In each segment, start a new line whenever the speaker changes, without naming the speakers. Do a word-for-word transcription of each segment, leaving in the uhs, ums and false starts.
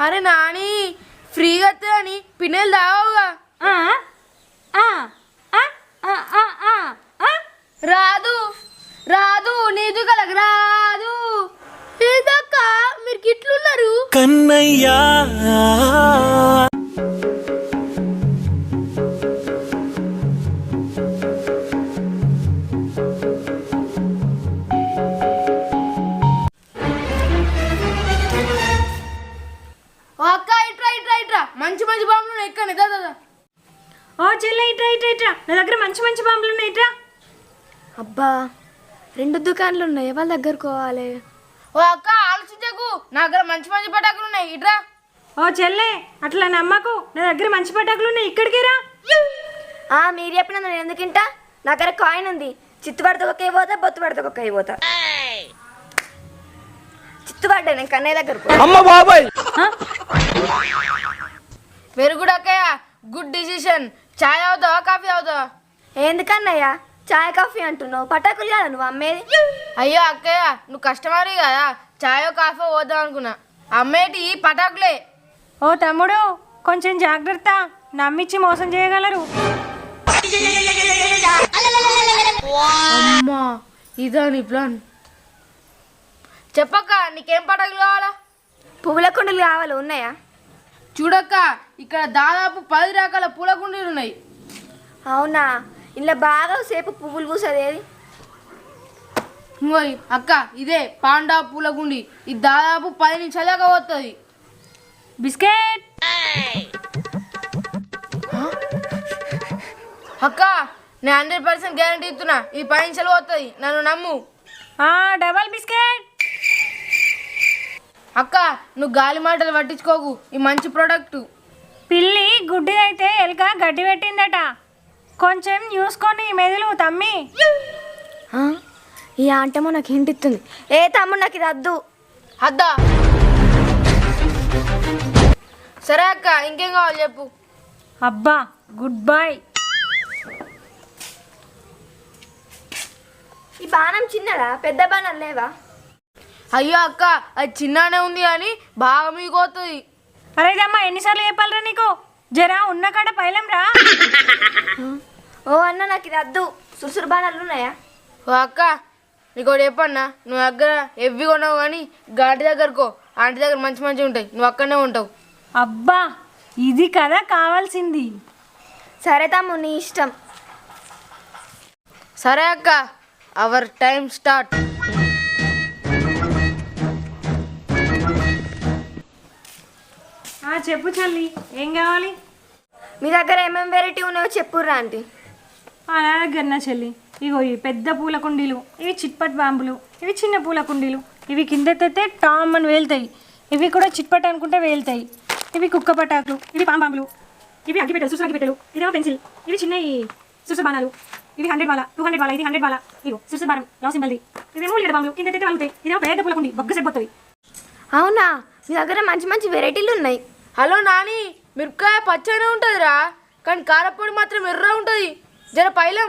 అరే నాని ఫ్రీగా అని పిన్నెలు తావుగా రాదు రాదు నీదు కలగ రాదు ఏదక్క మీరు గిట్లున్నారు కన్నయ్యా మంచి మంచి బాంబులు ఎక్కండి దాదా
ఓ చెల్లె ఇట్రా ఇట్రా ఇట్రా నా దగ్గర మంచి మంచి బాంబులు ఉన్నాయి ఇట్రా.
అబ్బా రెండు దుకాణాలు ఉన్నాయి వాళ్ళ దగ్గరకు పోవాలి.
ఓ అక్క ఆలోచించకు నా దగ్గర మంచి మంచి పటాకులు ఉన్నాయి ఇట్రా.
ఓ చెల్లె అట్లా నమ్మకు నా దగ్గర మంచి పటాకులు ఉన్నాయి ఇక్కడికి రా.
ఆ మీరు చెప్పిన నేను ఎందుకింటా నా దగ్గర కాయిన్ ఉంది. చిత్తు పడితే ఒక్క అయిపోతా బొత్తు పడితే ఒక్క అయిపోతా. చిత్తు పడ్డా నేను కన్నయ్య దగ్గరకు.
అమ్మ బాబాయ్
వెరీ గుడ్ అక్కయ్య గుడ్ డిసిషన్. చాయ్ అవుతావా కాఫీ అవుతావా?
ఎందుకన్నయ్య చాయ్ కాఫీ అంటున్నావు పటాకులు కదా నువ్వు అమ్మేది.
అయ్యో అక్కయ్య నువ్వు కస్టమర్ కదా చాయో కాఫీ పోదాం అనుకున్నా అమ్మేటి పటాకులే.
ఓ తమ్ముడు కొంచెం జాగ్రత్త నమ్మిచ్చి మోసం చేయగలరు.
అమ్మా ఇదా నీ ప్లాన్. చెప్పక్క నీకేం పటాకులు కావాలా?
పువ్వుల కుండలు కావాలి ఉన్నాయా?
చూడక్క ఇక్కడ దాదాపు పది రకాల పూల కుండీలు ఉన్నాయి.
అవునా ఇలా బాగా సేపు పువ్వులు పూసేది ఏది?
ఇంకోయ్ అక్క ఇదే పాండా పూల గుండి ఇది దాదాపు పది నిమిషాలుగా వస్తుంది.
బిస్కెట్
అక్క నేను హండ్రెడ్ పర్సెంట్ గ్యారంటీ ఇస్తున్నా ఈ పది నిమిషాలు వస్తుంది నన్ను నమ్ము.
Double biscuit.
అక్క నువ్వు గాలి మాటలు పట్టించుకోకు ఈ మంచి ప్రోడక్ట్.
పిల్లి గుడ్డిదైతే ఎలుక గడ్డి పెట్టిందట కొంచెం చూసుకొని మెదులు తమ్మి.
ఈ ఆంటమో నాకు హింట్ ఇస్తుంది. ఏ తమ్ముడు నాకు ఇది వద్దు.
అద్దా సరే అక్క ఇంకేం కావాలి చెప్పు.
అబ్బా గుడ్ బాయ్.
ఈ బాణం చిన్నదా పెద్ద బాణం లేవా?
అయ్యో అక్క అది చిన్ననే ఉంది కానీ బాగా మీకు పోతుంది.
అరే అమ్మా ఎన్నిసార్లు చెప్పాలరా నీకు జరా ఉన్న కాడ పైలం రా.
ఓ అన్న నాకు ఇది వద్దు. సురుసురు బాణాలు ఉన్నాయా?
ఓ అక్క నీకు ఒకటి చెప్పన్నా నువ్వు దగ్గర ఎవ్వి కొన్నావు కానీ గాడి దగ్గరకో ఆంటీ దగ్గర మంచి మంచిగా ఉంటాయి నువ్వు అక్కడనే ఉంటావు.
అబ్బా ఇది కదా కావాల్సింది.
సరే తమ్ము నీ ఇష్టం.
సరే అక్క అవర్ టైం స్టార్ట్.
చెప్పు చల్లి ఏం కావాలి?
మీ దగ్గర ఏమేమి వెరైటీ ఉన్నాయో చెప్పుర్రా ఆంటీ.
నా దగ్గర నా చెల్లి ఇగో ఈ పెద్ద పూల కుండీలు ఇవి చిట్పట్ బాంబులు ఇవి చిన్న పూల కుండీలు ఇవి కిందెత్తే టామ్ అని వేలుతాయి. ఇవి కూడా చిట్పట్ అనుకుంటే వేలుతాయి. ఇవి కుక్క పటాకులు ఇవి పాం బాంబులు ఇవి అగ్గిపెట్టెలు సుసు అగ్గిపెట్టెలు ఇదేమో పెన్సిల్ ఇవి చిన్న ఈ సుసు బాణాలు ఇవి హండ్రెడ్ బాల టూ హండ్రెడ్ బాల ఇది హండ్రెడ్ బాల ఇగో సుసు బాణం లవ్ సింబల్ది ఇవేమో లీడ బాంబులు కిందెత్తే వాళ్తాయి. ఇదేమో పెద్ద పూల కుండీ బొగ్గ సరిపోతుంది.
అవునా మీ దగ్గర మంచి మంచి వెరైటీలు ఉన్నాయి.
హలో నాని మిరపకాయ పచ్చనే ఉంటుందిరా కానీ కారపొడి మాత్రం ఎర్ర ఉంటుంది జర పైలం.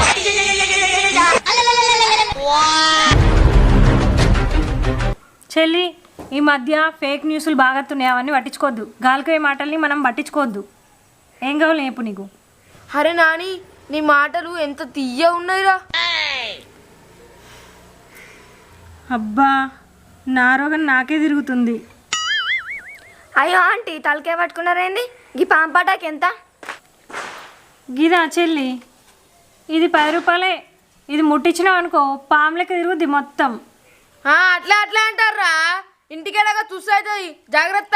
చెల్లి ఈ మధ్య ఫేక్ న్యూస్లు బాగా వస్తున్నాయి అవన్నీ పట్టించుకోవద్దు. గాలిపోయే మాటల్ని మనం పట్టించుకోవద్దు. ఏం కావాలి చెప్పు నీకు?
అరే నాని నీ మాటలు ఎంత తీయ ఉన్నాయిరా.
అబ్బా నా రోగం నాకే తిరుగుతుంది.
అయ్యో ఆంటీ తలకే పట్టుకున్నారేంది? ఈ పాంపాటాకి ఎంత?
గిదా చెల్లి ఇది పది రూపాయలే. ఇది ముట్టించినావు అనుకో పాములకి తిరుగుద్ది మొత్తం.
అట్లా అట్లా అంటారా ఇంటికెళ్ళగా చూస్తుంది జాగ్రత్త.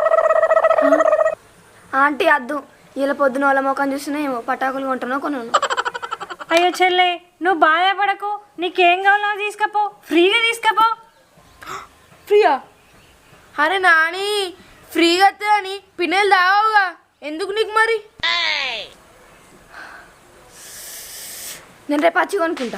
ఆంటీ అద్దు ఇలా పొద్దున వాళ్ళ ముఖం చూసినా ఏమో పటాకులు కొంటున్నా కొన్నాను.
అయ్యో చెల్లె నువ్వు బాధపడకు నీకేం కావాలో తీసుకపో ఫ్రీగా తీసుకపో.
ఫ్రీయా? అరే నాని ఫ్రీగా అని పిన్నెలు తావుగా ఎందుకు నీకు మరి?
నేను రేపు వచ్చి కొనుక్కుంటా.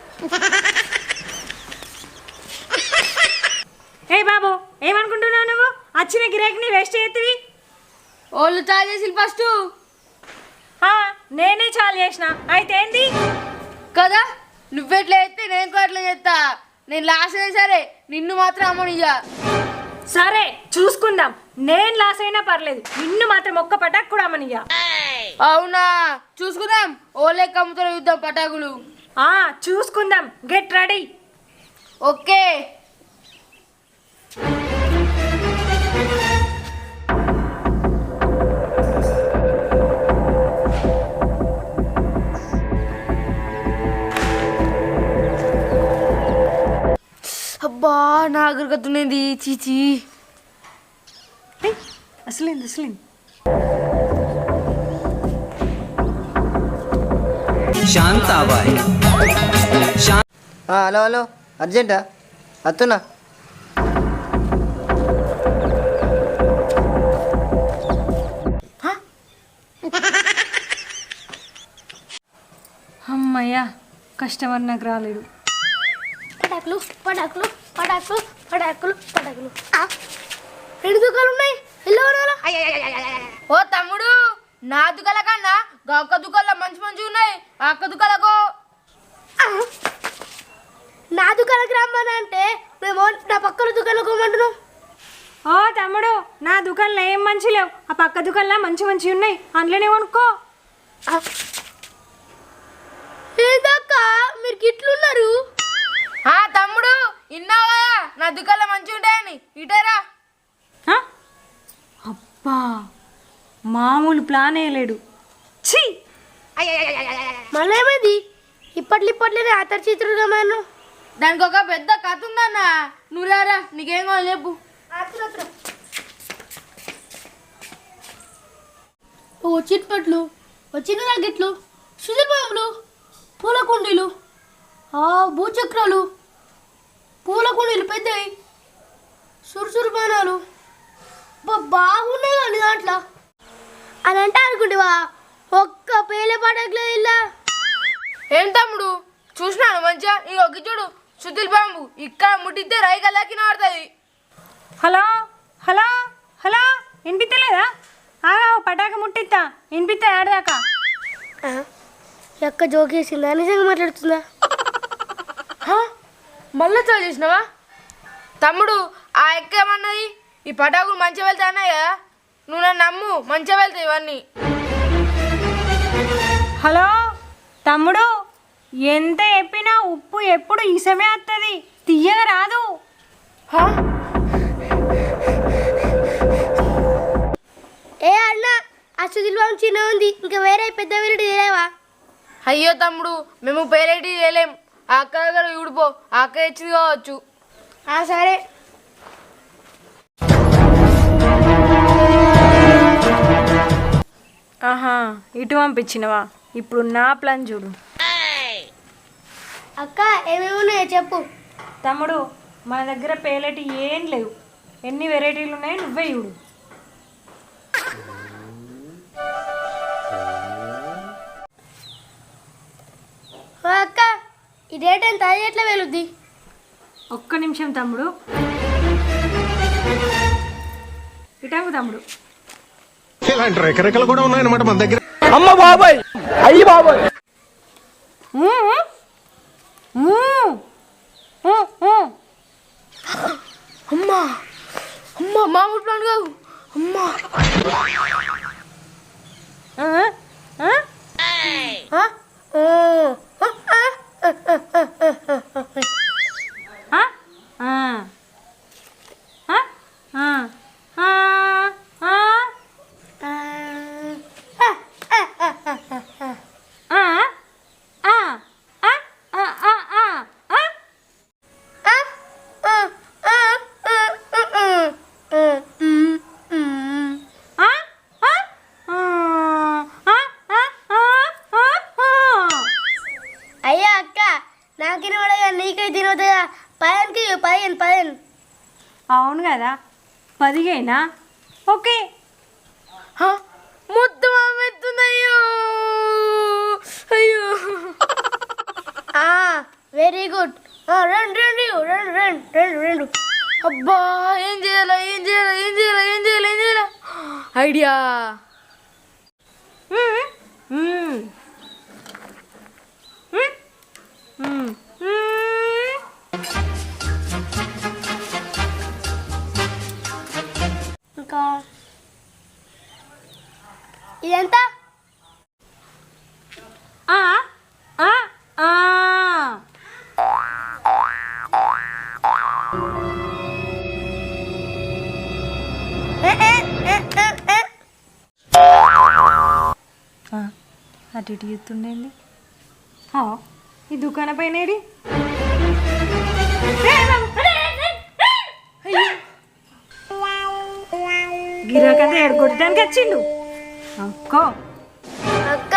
ఏ బాబు ఏమనుకుంటున్నావు నువ్వు? వచ్చిన గిరాకీని వేస్ట్ చేతివి.
వాళ్ళు చాలు చేసి ఫస్ట్
నేనే చాలు చేసిన అయితే ఏంది
కదా. నువ్వెట్లా చేస్తే నేను కూడా అట్లా చేస్తా. నేను లాస్ట్ అయినా సరే నిన్ను మాత్రం అమ్మనియ్యా.
సరే చూసుకుందాం నేను లాస్ అయినా పర్లేదు, నిన్ను మాత్రం ఒక్క పటాక్ కూడా అమ్మనియ్యా.
అవునా, చూసుకుందాం ఓలే కమ్ముతో యుద్ధం పటాకులు.
ఆ చూసుకుందాం, గెట్ రెడీ.
ఓకే. అబ్బా నాగరికత్తునేది చీచి.
అసలేంది అసలేంది
శాంతాబాయ్.
హలో హలో, అర్జెంటా? అత్తున్నా.
అమ్మయ్యా, కస్టమర్ నాకు రాలేడు.
పటాకులు పటాకులు పటాకులు పటాకులు పటాకులు రెండు దుకాణాలు ఉన్నాయి.
ఓ తమ్ముడు, నా దుకాల కన్నా గా అక్క దుకాణంలో మంచి మంచి ఉన్నాయి. ఆ అక్క దుకాణకు
నా దుకాణానికి రమ్మని అంటే మేము నా పక్కన దుకాణంలో కొమ్మంటున్నాం.
ఓ తమ్ముడు, నా దుకాణంలో ఏం మంచి లేవు, ఆ పక్క దుకాణంలో మంచి మంచి ఉన్నాయి, అందులోనే కొనుక్కో.
ఏదక్క మీరు గిట్లున్నారు?
ఆ తమ్ముడు, ఇన్నావు కదా నా దుకాణంలో మంచిగా ఉంటాయని, ఇటేరా.
ఆ? అబ్బా, మామూలు ప్లాన్ వేయలేడు. ఛీ,
మళ్ళీ ఏమైంది? ఇప్పట్లు ఇప్పట్లోనే ఆతర్ చిత్రుడుగా మనం
దానికి ఒక పెద్ద కథ ఉందన్న. నువ్వు రారా, నీకేం కావాలి చెప్పు.
ఓ చిట్పట్లు, వచ్చిన రాకెట్లు, సుధీర్బాబులు, పూల కుండీలు, భూచక్రాలు, పూల కుండీలు పెద్దవి, సురుసురు బాణాలు బాగున్నాయి కానీ దాంట్లో అని అంటే అనుకుంటేవా ఒక్క పేలే పడకలేదు ఇలా.
ఏం తమ్ముడు చూసినాను మంచిగా, ఈ ఒక్క చూడు సుధీల్ బాంబు ఇక్కడ ముట్టితే రైగలకి నాడుతుంది.
హలో హలో హలో, వినిపిస్తలేదా? ఆగా పటాక ముట్టిస్తా, వినిపిస్తా ఆడదాకా.
ఎక్క జోకేసిందా, నిజంగా మాట్లాడుతుందా?
మళ్ళీ చాలు చేసినావా తమ్ముడు? ఆ ఎక్క ఏమన్నది? ఈ పటాకులు మంచిగా వెళ్తాయి అన్నాయి కదా, నువ్వు నన్ను నమ్ము, మంచిగా వెళ్తాయి ఇవన్నీ.
హలో తమ్ముడు, ఎంత చెప్పినా ఉప్పు ఎప్పుడు ఇసమే వస్తుంది, తీయగా రాదు.
ఏ అన్న, ఆ సుధీర్ బాబు చిన్న ఉంది, ఇంకా వేరే పెద్ద వీరుడు తెలియవా?
అయ్యో తమ్ముడు, మేము పేరేటి చేయలేం. ఆ అక్క దగ్గర ఊడిపో, ఆ అక్క ఇచ్చింది కావచ్చు.
సరే.
ఆహా, ఇటు పంపించినవా? ఇప్పుడు నా ప్లాన్ చూడు.
అక్క ఏమేమి ఉన్నాయో చెప్పు.
తమ్ముడు, మన దగ్గర పేలటి ఏం లేవు, ఎన్ని వెరైటీలు ఉన్నాయో నువ్వే చూడు.
అక్క ఈ డేట్ ఎంత, అది ఎట్లా వెలుద్ది?
ఒక్క నిమిషం తమ్ముడు, ఇటాకు తమ్ముడు.
ఇలాంటి రెకరెకలు కూడా ఉన్నాయన్నమాట మన దగ్గర.
అమ్మ బాబాయ్, అయ్యి బాబాయ్.
అమ్మా అమ్మా, మామూలు ప్లాన్ కాదు అమ్మా.
అయ్యా అక్క, నాకిన పడగా నీకై తినవుతుందా? పదిహేనుకి పదిహేను పదిహేను.
అవును కదా, పదిహేనా? ఓకే.
మొత్తం అమ్మెత్తుంది. అయ్యో అయ్యో.
Very good. రెండు రెండు రెండు రెండు రెండు రెండు.
అబ్బా, ఏం చేయాలా ఏం చేయాలా ఏం చేయాలా ఏం చేయాలా ఏం చేయాలా ఐడియా.
ఇంకా ఇదెంత?
ఆ, ఆ, ఆ.
ఏ, ఏ, ఏ, ఏ, ఏ.
ఆ, అటు ఇటు చూస్తుండేంది ఆ, ఈ దుకాణ పైన ఏడి? గిరాకంతా ఎడగొట్టడానికి వచ్చిండు అక్కో.
అక్క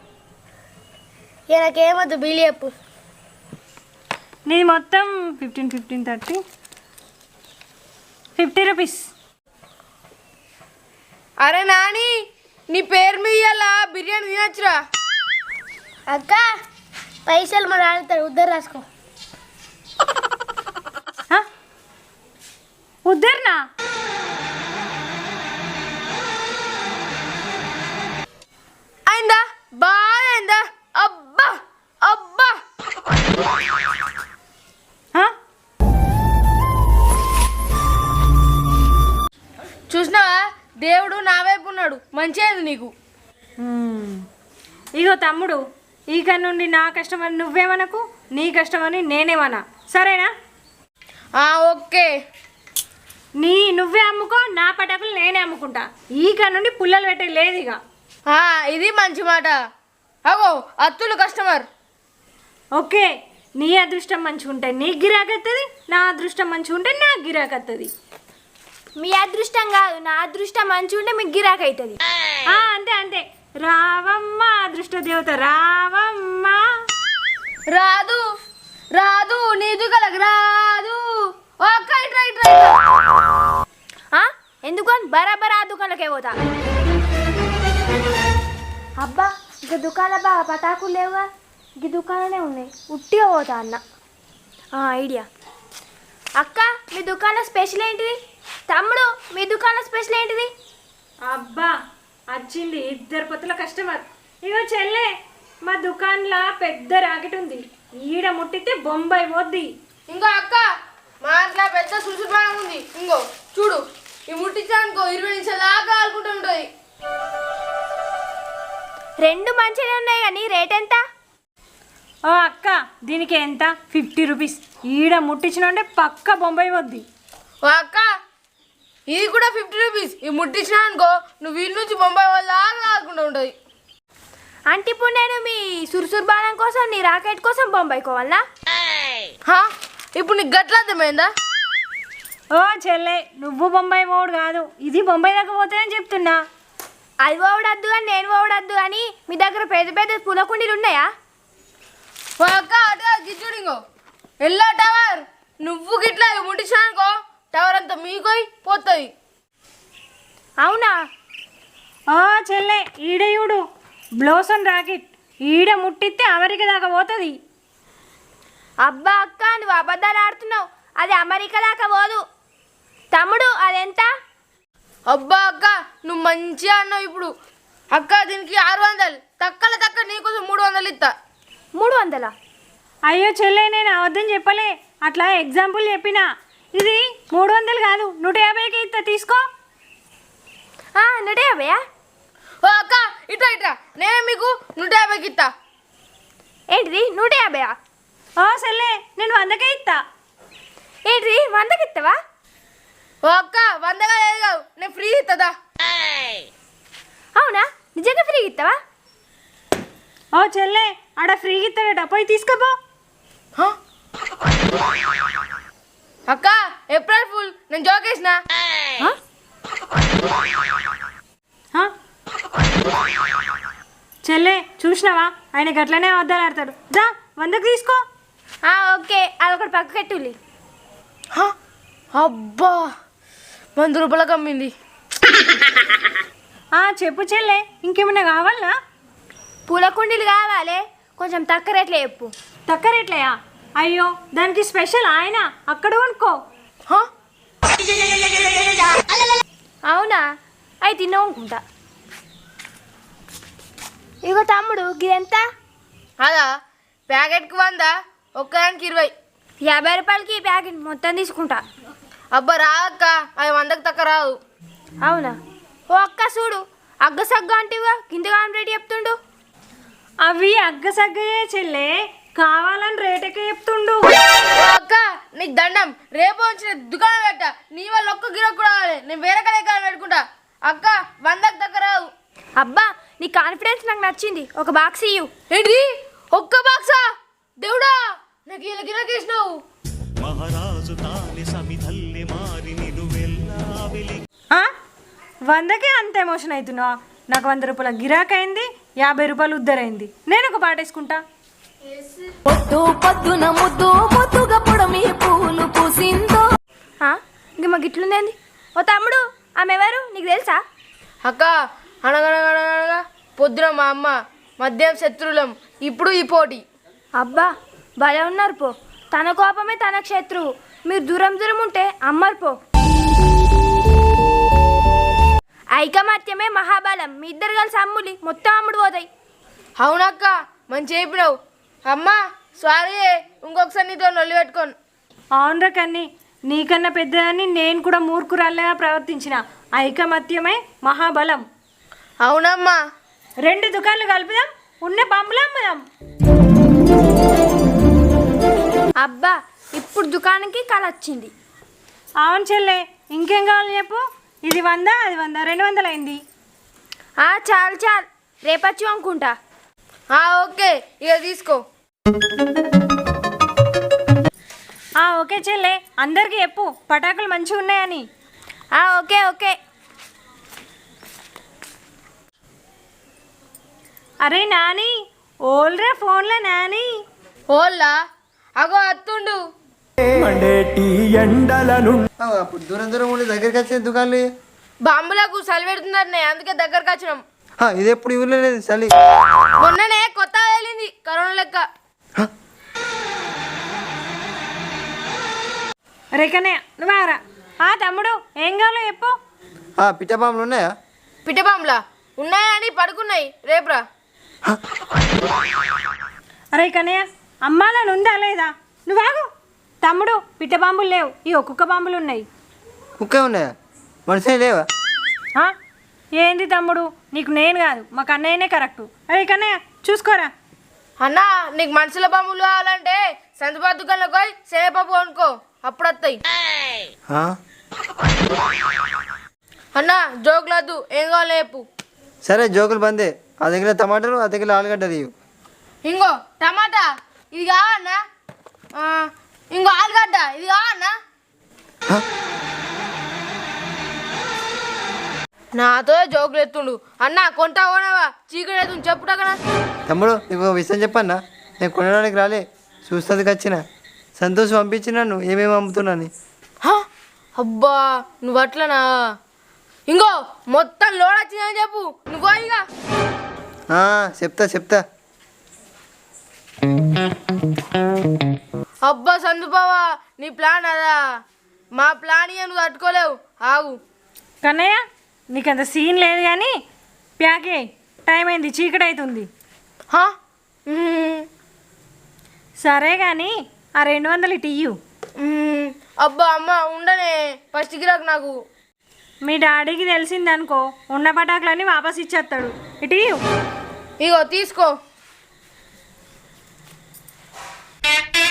ఇక నాకేమొద్దు బిల్లు చెప్పు.
నీది మొత్తం fifteen fifteen thirty fifty rupees.
అరే నాని, నీ పేరు మీద ఇయ్యాల బిర్యానీ తినచ్చురా.
అక్క పైసలు మరి ఆడుతారు ఉద్దరు రాసుకో.
ఉద్దర్నా?
అయిందా? బాగా అయిందా? అబ్బా అబ్బా.
ఆ?
చూసినావా, దేవుడు నా వైపు ఉన్నాడు. మంచిది నీకు.
మ్మ్. ఇగో తమ్ముడు, ఇక నుండి నా కష్టమని నువ్వేమనకు, నీ కష్టమని నేనేమన్నా, సరేనా?
ఆ, ఓకే.
నీ నువ్వే అమ్ముకో, నా పటాకులు నేనే అమ్ముకుంటా. ఈక నుండి పుల్లలు పెట్టే లేదు ఇక.
ఆ, ఇది మంచి మాట. అగో అత్తులు కస్టమర్.
ఓకే, నీ అదృష్టం మంచిగా ఉంటే నీ గిరాకీ వస్తుంది, నా అదృష్టం మంచిగా ఉంటే నాకు గిరాకీ వస్తుంది.
మీ అదృష్టం కాదు, నా అదృష్టం మంచిగా ఉంటే మీకు గిరాకీ అవుతుంది.
అంతే అంతే. రావమ్మ అదృష్ట దేవత రావమ్మ.
రాదు రాదు నీ దుకాణకు రాదు. ఓకే, ఇట్రా ఇట్రా.
ఎందుకు బరాబర్ ఆ దుకాణంలోకే పోతా. అబ్బా ఇక దుకాణం బాగా పటాకులు లేవుగా, ఈ దుకాణాలే ఉన్నాయి, ఉట్టిగా పోతా అన్న. ఐడియా. అక్క మీ దుకాణం స్పెషల్ ఏంటిది? తమ్ముడు మీ దుకాణం స్పెషల్ ఏంటిది?
అబ్బా వచ్చింది ఇద్దరు పొత్తుల కస్టమర్. ఇగో చెల్లె, మా దుకాణంలో పెద్ద రాకెట్ ఉంది, ఈడ ముట్టితే బొంబాయి పోద్ది.
ఇంకో అక్క, మా అట్లా పెద్ద సుసుపానం ఉంది. ఇంకో చూడు, ఈ ముట్టించానుకో ఇరవై నిమిషాలు దాకా ఆడుకుంటూ ఉంటుంది.
రెండు మంచిగా ఉన్నాయి కానీ రేట్ ఎంత?
ఓ అక్క, దీనికి ఎంత? Fifty rupees. ఈడ ముట్టించిన పక్క బొంబాయి వద్ది.
ఓ అక్క, ఇది కూడా ఫిఫ్టీ రూపీస్. ఈ ముట్టించినా అనుకో నువ్వు వీళ్ళ నుంచి బొంబాయి వాళ్ళ దాకా ఆడుకుంటూ ఉంటుంది.
అంటే ఇప్పుడు నేను మీ సురుసురు బాణం కోసం, నీ రాకెట్ కోసం బొంబాయి కోవాలనా?
హా, ఇప్పుడు నీకు గట్ల అర్థమైందా?
ఓ చెల్లె, నువ్వు బొంబాయి పోవుడు కాదు, ఇది బొంబాయి దాకా పోతాయని చెప్తున్నా.
అది పోవడద్దు కానీ నేను పోవడద్దు కానీ మీ దగ్గర పెద్ద పెద్ద పూల కుండీలు ఉన్నాయా?
ఓ అక్క, అటు గిచ్చుడు. ఇంకో ఎల్లో టవర్, నువ్వు గిట్లా ముట్టించినా అనుకో టవర్ అంతా మీకోయి పోతుంది.
అవునా?
ఓ చెల్లె, ఈడ చూడు, బ్లోసన్ రాకెట్. ఈడ ముట్టిస్తే అమెరికా దాకా పోతుంది.
అబ్బా అక్క, నువ్వు అబద్ధాలు ఆడుతున్నావు, అది అమెరికా దాకా పోదు. తమ్ముడు అదెంత?
అబ్బా అక్క, నువ్వు మంచిగా అన్నావు. ఇప్పుడు అక్క దీనికి ఆరు వందలు తక్కల తక్క నీకోసం మూడు వందలు ఇస్తా.
మూడు వందలా?
అయ్యో చెల్లె, నేను అవద్దం చెప్పలే, అట్లా ఎగ్జాంపుల్ చెప్పినా. ఇది మూడు వందలు కాదు, నూట యాభైకి ఇస్తా, తీసుకో.
నూట యాభైయా?
ఓ అక్క, ఇట్రా ఇట్రా, నేనే మీకు నూట యాభైకి ఇస్తా.
ఏంటిది నూట యాభైయా?
ఓ చెల్లె, నేను వందకే ఇస్తా.
ఏంటిది వందకి ఇస్తావా?
ఓ అక్క, వందగా లేదు కాదు, నేను ఫ్రీ ఇస్తుందా?
అవునా, నిజంగా ఫ్రీ ఇస్తావా?
ఓ చెల్లె, ఆడ ఫ్రీగా ఇస్తాడట, పోయి తీసుకోపో.
హ? అక్క, ఏప్రిల్ ఫుల్, నేను జోకేసిన.
హ? చెల్లె చూసినావా, ఆయన గట్లనే వద్దాలు ఆడతాడు. దా వందకు తీసుకో.
ఓకే, అదొకటి పక్క కట్టులి.
హ? అబ్బా, వంద రూపాయలకు అమ్మింది.
ఆ చెప్పు చెల్లె, ఇంకేమైనా కావాలనా?
పూల కుండీలు కావాలి, కొంచెం తక్కువ రేట్లో చెప్పు.
తక్కువ రేట్లయా? అయ్యో, దానికి స్పెషల్ ఆయన అక్కడ కొనుక్కో.
హ?
అవునా, అవి తిన్నావు అనుకుంటా. ఇగో తమ్ముడు, గిదెంత?
అదా, ప్యాకెట్కి వంద, ఒక్కదానికి ఇరవై.
యాభై రూపాయలకి ఈ ప్యాకెట్ మొత్తం తీసుకుంటా.
అబ్బా రాదక్క, అది వందకు తక్కువ రాదు.
అవునా? ఓ అక్క చూడు, అగ్గసగ్గ అంటివిగా కిందగా రేటు చెప్తుండు.
అవి అగ్గసగ్గయే చెల్లే, కావాలని రేటుకే చెప్తుండు.
ఓ అక్క నీకు దండం, రేపు వచ్చిన దుకాణం పెట్ట, నీ వల్ల ఒక్క గిరాకు కూడా రావాలి, నేను వేరే కడే కాడ పెట్టుకుంటా. అక్క వందకు దగ్గర రావు.
అబ్బా నీ కాన్ఫిడెన్స్ నాకు నచ్చింది, ఒక బాక్స్ ఇయ్యు.
ఏంటి ఒక్క బాక్సా? దేవుడా నాకు ఇలా గిరాకేసినావు.
ఆ? వందకే అంత ఎమోషన్ అవుతున్నావా? నాకు వంద రూపాయల గిరాక్ అయింది, యాభై రూపాయలు ఉద్దరైంది. నేను ఒక పాట వేసుకుంటా.
పొద్దు పొద్దున ముద్దు ముద్దుగా పొడమి పూలు పూసిందో.
ఇంక మా గిట్లుందేంది? ఓ తమ్ముడు, ఆమె ఎవరు నీకు తెలుసా?
అక్క అనగనగనగా పొద్దున మా అమ్మ, మధ్యాహ్నం శత్రువులం, ఇప్పుడు ఈ పోటీ.
అబ్బా భలే ఉన్నారు పో. తన కోపమే తనకు శత్రువు. మీరు దూరం దూరం ఉంటే అమ్మరు పో. ఐకమత్యమే మహాబలం. మీ ఇద్దరు కలిసి అమ్ములి మొత్తం అమ్ముడు పోతాయి.
అవునక్క మంచి చెప్పినావు. అమ్మ సారీ, ఇంకొకసారి నీతో నొల్లి పెట్టుకోను.
అవునరా కన్ని, నీకన్నా పెద్దదాన్ని నేను కూడా మూర్ఖురాల్లా ప్రవర్తించిన. ఐకమత్యమే మహాబలం.
అవునమ్మా.
రెండు దుకాణాలు కలుపుదాం, ఉన్న బాంబులు అమ్ముదాం.
అబ్బా ఇప్పుడు దుకాణంకి కళ వచ్చింది.
అవును చెల్లె, ఇంకేం కావాలి చెప్పు. ఇది వంద, అది వంద, రెండు వందలు అయింది.
చాలు చాలు, రేపచ్చు అనుకుంటా.
ఓకే ఇక తీసుకో.
ఓకే చెల్లె, అందరికీ చెప్పు పటాకులు మంచిగా ఉన్నాయని.
Okay okay.
అరే నాని, ఓల్రా ఫోన్లో నాని.
ఓల్లా అగో అత్తుండు.
అప్పుడు దూరం దూరం ఉండి దగ్గరికి వచ్చే దుకాణాలు.
బాంబులకు చలి పెడుతుందనే, అందుకే దగ్గరకు వచ్చినాం.
ఇది ఎప్పుడు ఊర్లో లేదు చలి.
మొన్ననే కొత్తగా వెళ్ళింది కరోనా లెక్క.
రేకనే నువ్వారా. ఆ తమ్ముడు ఏం కావాలో చెప్పు.
పిట్ట బాంబులు ఉన్నాయా?
పిట్ట బాంబులా ఉన్నాయని పడుకున్నాయి, రేపురా.
అరే కన్నయ్య, అమ్మాలని ఉందా లేదా? నువ్వాగు. తమ్ముడు పిట్ట బాంబులు లేవు, ఈ కుక్క బాంబులు ఉన్నాయి.
కుక్క ఉన్నాయా? మనిషి లేవా?
ఏంది తమ్ముడు, నీకు నేను కాదు మా కన్నయ్యనే కరెక్టు. అరే కన్నయ్య చూసుకోరా.
అన్నా నీకు మనుషుల బాంబులు కావాలంటే సంతపా దుకాణంలోకి పోయి శనగపప్పు కొనుక్కో, అప్పుడు వస్తాయి. అన్నా జోకులద్దు, ఏం కావాలి చెప్పు.
సరే జోకులు బందే. ఆ దగ్గర టమాటాలు, ఆ దగ్గర ఆలుగడ్డ తీయు.
ఇంకో టమాటా ఇది కావన్నా, ఇంకో ఆలుగడ్డ ఇది కావన్నా. నాతో జోకులు ఎత్తుండు. అన్నా కొంటా కొనవా? చీకటి ఎత్తు చెప్పుటా కదా.
తమ్ముడు నీకు ఒక విషయం చెప్పన్నా, నేను కొనడానికి రాలే, చూస్తుంది వచ్చిన. సంతోష్ పంపించిన నువ్వు ఏమేమి అమ్ముతున్నాను.
అబ్బా నువ్వు అట్లనా? ఇంకో మొత్తం లోడ్ వచ్చిందని చెప్పు నువ్వు. ఇక
చెప్తా చెప్తా.
అబ్బా సందుబావా, నీ ప్లాన్ అదా? మా ప్లాన్ ఇక నువ్వు తట్టుకోలేవు, ఆగు.
కన్నయ్య నీకు అంత సీన్ లేదు కానీ ప్యాకే, టైం అయింది, చీకటి అవుతుంది. సరే కానీ ఆ రెండు వందలు ఇటు ఇయ్యు.
అబ్బా అమ్మ ఉండనే, ఫస్ట్ గిరాకు నాకు.
మీ డాడీకి తెలిసిందనుకో, ఉన్న పటాకులన్నీ వాపస్ ఇచ్చేస్తాడు. ఇటు ఇయ్యు.
ఇగో తీసుకో.